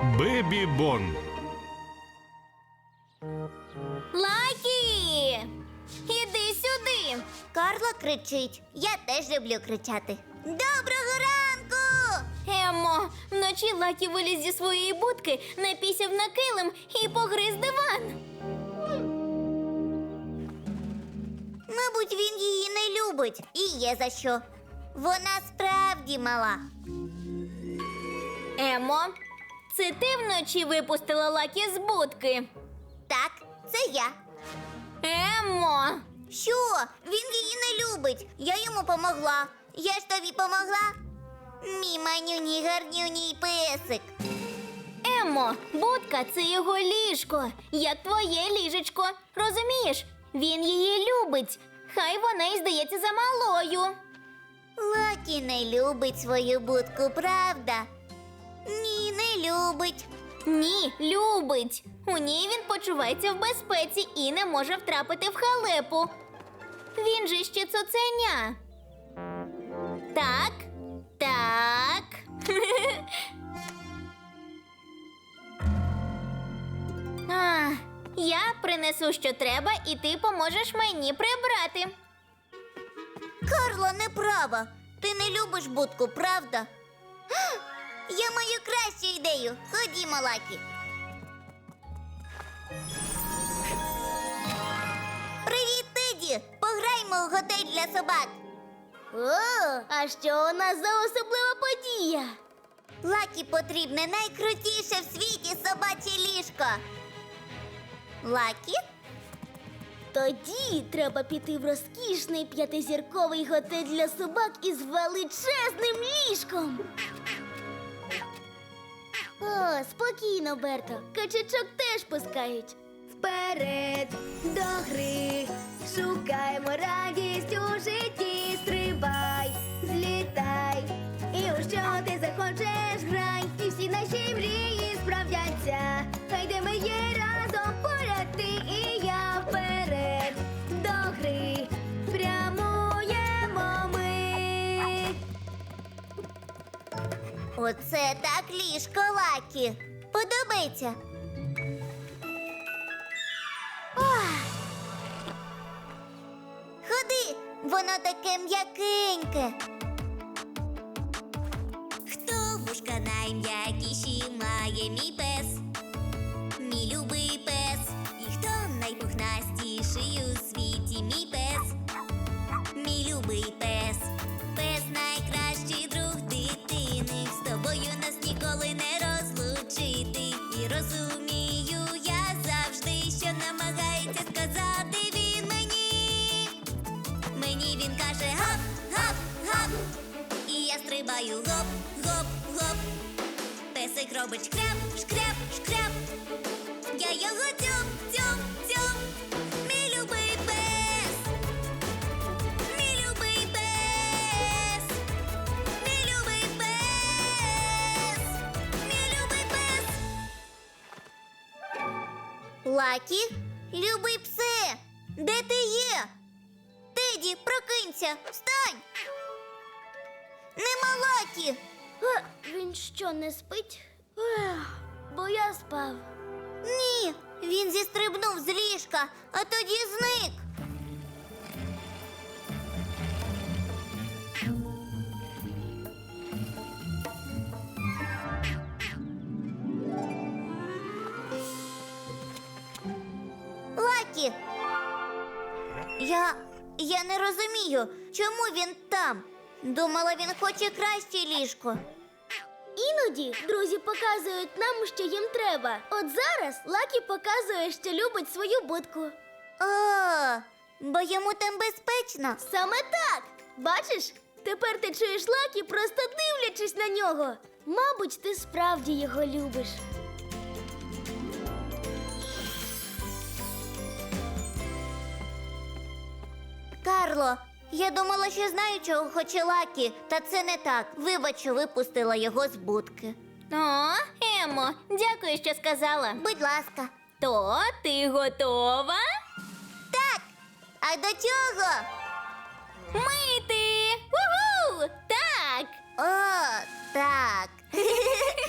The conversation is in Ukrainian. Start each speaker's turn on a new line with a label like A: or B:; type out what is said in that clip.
A: Бебі Бон.
B: Лакі! Іди сюди!
C: Карло кричить. Я теж люблю кричати. Доброго ранку!
B: Еммо, вночі Лакі виліз зі своєї будки, напісяв на килим і погриз диван.
C: Мабуть, він її не любить. І є за що. Вона справді мала.
B: Еммо, це ти вночі випустила Лакі з будки?
C: Так, це я.
B: Еммо!
C: Що? Він її не любить. Я йому помогла. Я ж тобі помогла. Мій манюній гарнюній песик.
B: Еммо, будка – це його ліжко, як твоє ліжечко. Розумієш? Він її любить. Хай вона й здається замалою.
C: Лакі не любить свою будку, правда? Ні, не любить.
B: Ні, любить. У ній він почувається в безпеці і не може втрапити в халепу. Він же ще цуценя. Так, так. Я принесу, що треба, і ти поможеш мені прибрати.
C: Карло не права. Ти не любиш будку, правда? Я маю кращу ідею. Ходімо, Лакі. Привіт, Теді! Пограймо у готель для собак.
B: О, а що у нас за особлива подія?
C: Лакі потрібне найкрутіше в світі собаче ліжко. Лакі?
B: Тоді треба піти в розкішний 5-зірковий готель для собак із величезним ліжком. О, спокійно, Берто. Качачок теж пускають.
D: Вперед до гри, шукаємо радість у житті, стрибай, злітай, і у що ти захочеш грай, і всі наші мрії справдяться, хай де ми є разом поряд ти і я, вперед до гри, прямуємо ми.
C: Оце так ліжко, Лакі. Подобається? Ходи, воно таке м'якеньке. Хто вушка найм'якіші має мій пес? Мій любий пес. І хто найпухнастіший у світі мій пес? Мій любий пес. Пес найкращий друг дитини. З тобою нас ніколи не розлучити. І розумію я завжди, що намагається сказати він мені. Мені він каже гап, гап, гап. І я стрибаю гоп, гоп, гоп. Песик робить шкряп, шкряп, шкряп. Я його тьом, тьом, тьом. Мій любий пес. Мій любий пес. Мій любий пес. Мій любий пес. Лакі, любий псе, де ти є? Теді, прокинься, встань! Нема Лакі!
B: Він що, не спить? Бо я спав.
C: Ні, він зістрибнув з ліжка, а тоді зник. Лакі! Я не розумію, чому він там. Думала, він хоче краще ліжко.
B: Іноді друзі показують нам, що їм треба. От зараз Лакі показує, що любить свою будку.
C: О, бо йому там безпечно.
B: Саме так! Бачиш? Тепер ти чуєш Лакі, просто дивлячись на нього. Мабуть, ти справді його любиш.
C: Карло, я думала, що знаю, чого хоче Лакі, та це не так. Вибач, що випустила його з будки.
B: О, Еммо, дякую, що сказала.
C: Будь ласка.
B: То ти готова?
C: Так, а до чого?
B: Мити! Уху! Так!
C: О, так.